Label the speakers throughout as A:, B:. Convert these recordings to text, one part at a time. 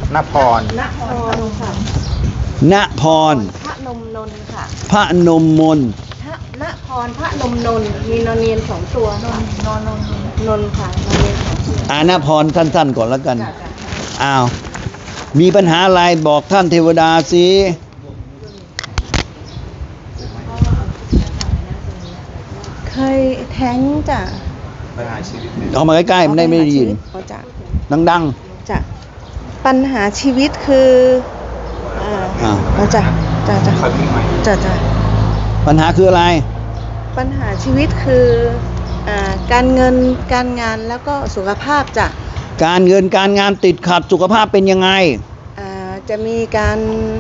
A: ณพร
B: ค่ะ
C: ณพร
B: พระนมนนท์ค่ะ
C: พระนมมน
B: ณพรพระนมนนท์มีนอนเนียนสองตัวค่ะนนท์ค่ะนอนเนียนสองตัว
C: ณพรสั้นๆก่อนแล้วกัน
B: จ้ะ
C: อ้าวมีปัญหาอะไรบอกท่านเทวดาสิ
B: เคยแท้งจ้ะ
A: ปัญหาชีวิต
C: เอามาใกล้ๆมันได้ไม่ได้ยิน
B: เขาจะ
C: ดัง
B: จะปัญหาชีวิตคือเราจะ
A: ขอพี่ใหม่
B: จะ
C: ๆปัญหาคืออะไร
B: ปัญหาชีวิตคือการเงินการงานแล้วก็สุขภาพจ้ะ
C: การเงินการงานติดขัดสุขภาพเป็นยังไง
B: จะมีการ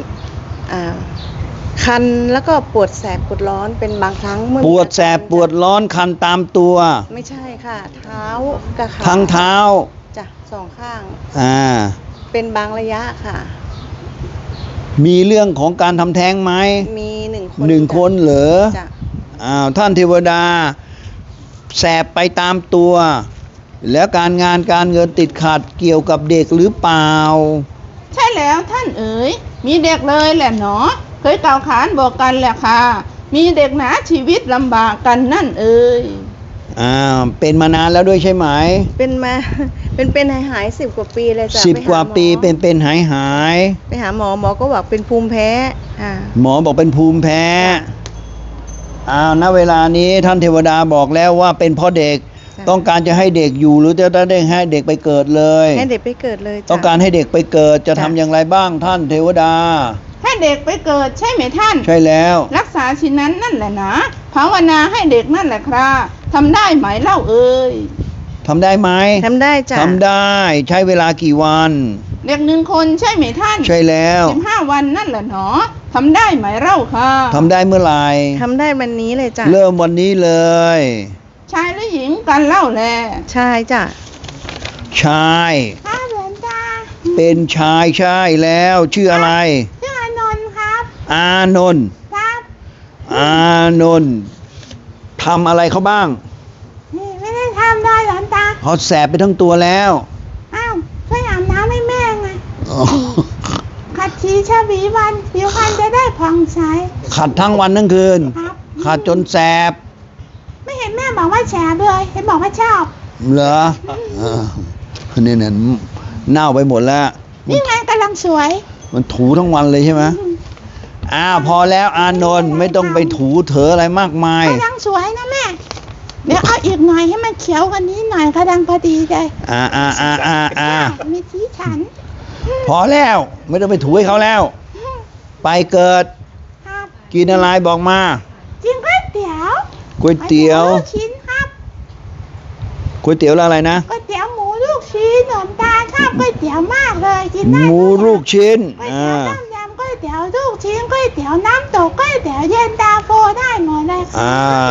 B: คันแล้วก็ปวดแสบปวดร้อนเป็นบางครั้งเมื่อ
C: ปวดแสบปวดร้อนคันตามตัว
B: ไม่ใช่ค่ะ เท้ากับขา
C: ทั้งเท้า
B: จ้ะสองข้าง เป็นบางระยะค่ะ
C: มีเรื่องของการทำแท้งไหม
B: มีหนึ่งคน
C: หนึ่งคนเหรอ
B: จ้ะ
C: ท่านเทวดาแสบไปตามตัว แล้วการงานการเงินติดขัดเกี่ยวกับเด็กหรือเปล่า
D: ใช่แล้วท่านเอ๋ยมีเด็กเลยแหละหนอเคยกล่าวขานบอกกันแหละค่ะมีเด็กหนาชีวิตลำบากกันนั่นเอ๋ย
C: เป็นมานานแล้วด้วยใช่ไหม
B: เป็นมา เป็นหาย10 กว่าปีเลยจ้ะ
C: 10 กว่าปีเป็นหาย
B: ไปหาหมอก็บอกเป็นภูมิแพ้
C: หมอบอกเป็นภูมิแพ้ณเวลานี้ท่านเทวดาบอกแล้วว่าเป็นเพราะเด็ก ต้องการจะให้เด็กอยู่หรือจะได้ให้เด็กไปเกิดเลย
B: ให้เด็กไปเกิดเลยจ้ะ
C: ต้องการให้เด็กไปเกิดจะทำอย่างไรบ้างท่านเทวดา
D: ให้เด็กไปเกิดใช่ไหมท่าน
C: ใช่แล้ว
D: รักษาชิ้นนั้นนั่นแหละนะภาวนาให้เด็กนั่นแหละครับทำได้ไหมเล่าเอ๋ย
C: ทำได้ไหม
B: ทำได้จ้ะ
C: ทำได้ใช้เวลากี่วัน
D: เด็ก1 คนใช่ไหมท่าน
C: ใช่แล้ว
D: 15 วันนั่นแหละหนอทำได้ไหมเล่าค่ะ
C: ทำได้เมื่อไหร่
B: ทำได้วันนี้เลยจ้ะ
C: เริ่มวันนี้เลย
D: ชายหรือหญิงกันเล่าแล
B: ใช่จ้ะ
C: ชาย
D: ข้าเหมือนตา
C: เป็นชายใช่แล้วชื่ออะไร
D: ชื่ออานนท์ครับ
C: อานนท์
D: ครับ
C: อานนท์ทำอะไรเขาบ้าง
D: นี่ไม่ได้ทำได้หลอนตา
C: เขาแสบไปทั้งตัวแล้ว
D: อ้าวช่วยอาบน้ำให้แม่ไงขัดชีชาบีวันผิวพรรณจะได้ผ่องใส
C: ขัดทั้งวันทั้งคืน
D: ครับ
C: ขัดจนแสบ
D: ไม่เห็นแม่บอกว่าแฉเลยเห็นบอกว่าชอบ
C: เหรอเนี่ยเน่าไปหมดแล้ว
D: นี่ไงกำลังสวย
C: มันถูทั้งวันเลยใช่ไหมพอแล้วอานนท์ไม่ต้องไปถูเถออะไรมากมาย
D: กำลังสวยนะแม่ เดี๋ยวเอาอีกหน่อยให้มันเขียวกว่านี้หน่อยกำลังพอดีเลยมีสีฉัน
C: พอแล้วไม่ต้องไปถูให้เขาแล้ว ไปเกิด
D: ครับ
C: กินอะไรบอกมา
D: กินก๋วยเตี๋ยว
C: ก๋วยเตี๋ยว
D: ลูกชิ้นครับ
C: ก๋วยเตี๋ยวแล้วอะไรนะ
D: ก๋วยเตี๋ยวหมูลูกชิ้นหนมตาลชอบก๋วยเตี๋ยวมากเลยกินได้
C: หมูลูกชิ้น
D: ก๋วยเตี๋ยวต้มยำก๋วยเตี๋ยวลูกชิ้นก๋วยเตี๋ยวน้ำตกก๋วยเตี๋ยวเย็นตาโฟได้หมดเลยครับ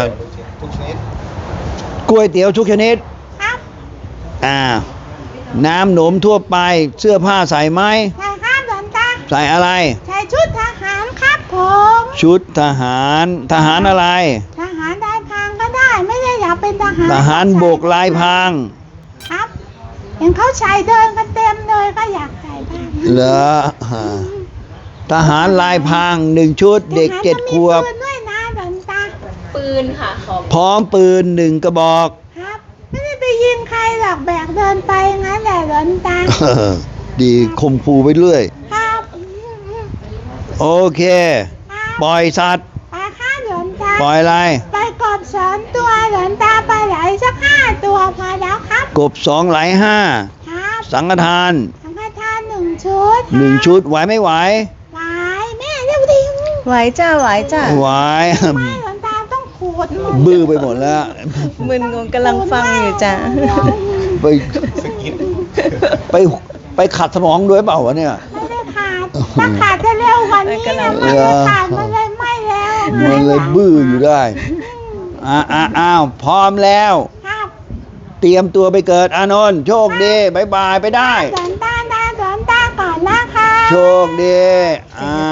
A: ทุกชนิด
C: ก๋วยเตี๋ยวทุกชนิด
D: ครับ
C: น้ำหนมทั่วไปเสื้อผ้าใส่ไหม
D: ใช่ครับหลวงตา
C: ใส่อะไร
D: ใส่ชุดทหารครับผม
C: ชุดทหารอะไร
D: ทหารได้พรางก็ได้ ไม่ได้อยากเป็นทหาร
C: ทหารบกลายพราง
D: ครับเห็นเขาใส่เดินกันเต็มเลยก็อยากใส่บ้าง
C: เหรอทหารลายพราง1 ชุดเด็ก7 ขวบ
D: ทหารก็มีปืนด้วยนะหลวงตา
B: ปืนค่ะของ
C: พร้อมปืน1 กระบอก
D: ครับไม่ได้ไปยิงใครหรอกแบกเดินไปงั้นแหละหลวงตา
C: ดีข่มขู่ไปเรื่อย
D: ครับ
C: โอเค
D: ครับ
C: ปล่อยสัตว์
D: ไปข้าหลวงตา
C: ปล่อยอะไร
D: ไปกบ2 ตัวหลวงตาไปไหลสัก5 ตัวพอแล้วครับ
C: กบ2ไหล
D: ครับ
C: 5สังฆทาน
D: สังฆทาน1 ชุด
C: 1 ชุดไหวไม่ไหว
D: ไหวแม่เร็วดิ
B: ไหวจ้ะไหวจ้ะ
C: ไหว
D: ไม่หลวงตาต้องขูดหมด
C: บื้อไปหมดแล้ว
B: มึนงงกำลังฟังอยู่จ้ะ
C: ไปไปขัดสมองด้วยเปล่าวะเนี่ย
D: ไม่ได้ขาดถ้าขาดจะเร็วกว่านี้นะมันไม่ขาดมันเลยไม่แล้ว
C: มันเลยบื้ออยู่ได้อ้าวพร้อมแล้ว
D: ครับ
C: เตรียมตัวไปเกิดอานนท์โชคดีบายบายไปได้
D: หลวงตาก่อนนะคะ
C: โชคดี